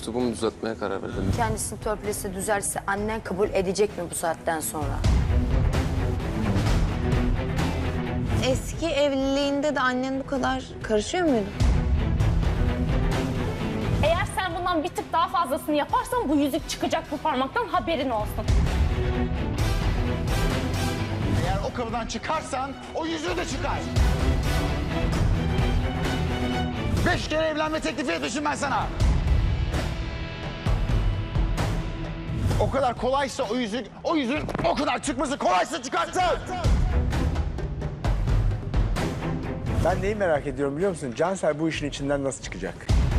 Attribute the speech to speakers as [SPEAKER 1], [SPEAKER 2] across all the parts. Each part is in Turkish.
[SPEAKER 1] üslubumu düzeltmeye karar verdim.
[SPEAKER 2] Kendisini törpülese, düzelse annen kabul edecek mi bu saatten sonra?
[SPEAKER 3] Eski evliliğinde de annen bu kadar karışıyor muydu?
[SPEAKER 4] Eğer sen bundan bir tık daha fazlasını yaparsan bu yüzük çıkacak bu parmaktan, haberin olsun.
[SPEAKER 5] Eğer o kapıdan çıkarsan o yüzüğü de çıkar. 5 kere evlenme teklifi etmişim ben sana. O kadar kolaysa o yüzüğün o kadar çıkması kolaysa çıkartsın.
[SPEAKER 6] Ben neyi merak ediyorum biliyor musun? Cansel bu işin içinden nasıl çıkacak?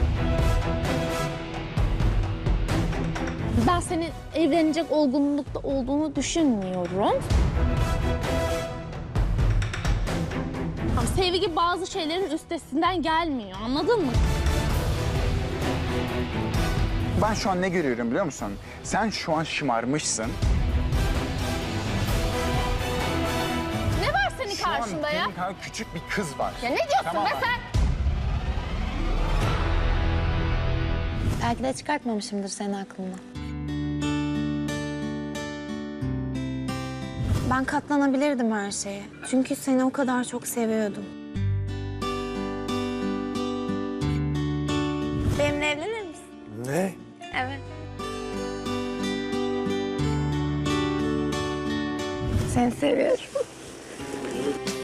[SPEAKER 7] Ben senin evlenecek olgunlukta olduğunu düşünmüyorum. Ama sevgi bazı şeylerin üstesinden gelmiyor, anladın mı?
[SPEAKER 5] Ben şu an ne görüyorum biliyor musun? Sen şu an şımarmışsın.
[SPEAKER 4] Ne var senin
[SPEAKER 5] Şu an
[SPEAKER 4] karşında ya?
[SPEAKER 5] senin kadar küçük bir kız var.
[SPEAKER 4] Ya ne diyorsun
[SPEAKER 5] Tamam
[SPEAKER 4] be
[SPEAKER 5] mı?
[SPEAKER 4] sen?
[SPEAKER 3] Belki de çıkartmamışımdır senin aklından. Ben katlanabilirdim her şeye. Çünkü seni o kadar çok seviyordum. Benimle evlenir misin?
[SPEAKER 6] Ne?
[SPEAKER 3] Evet. Seni seviyorum.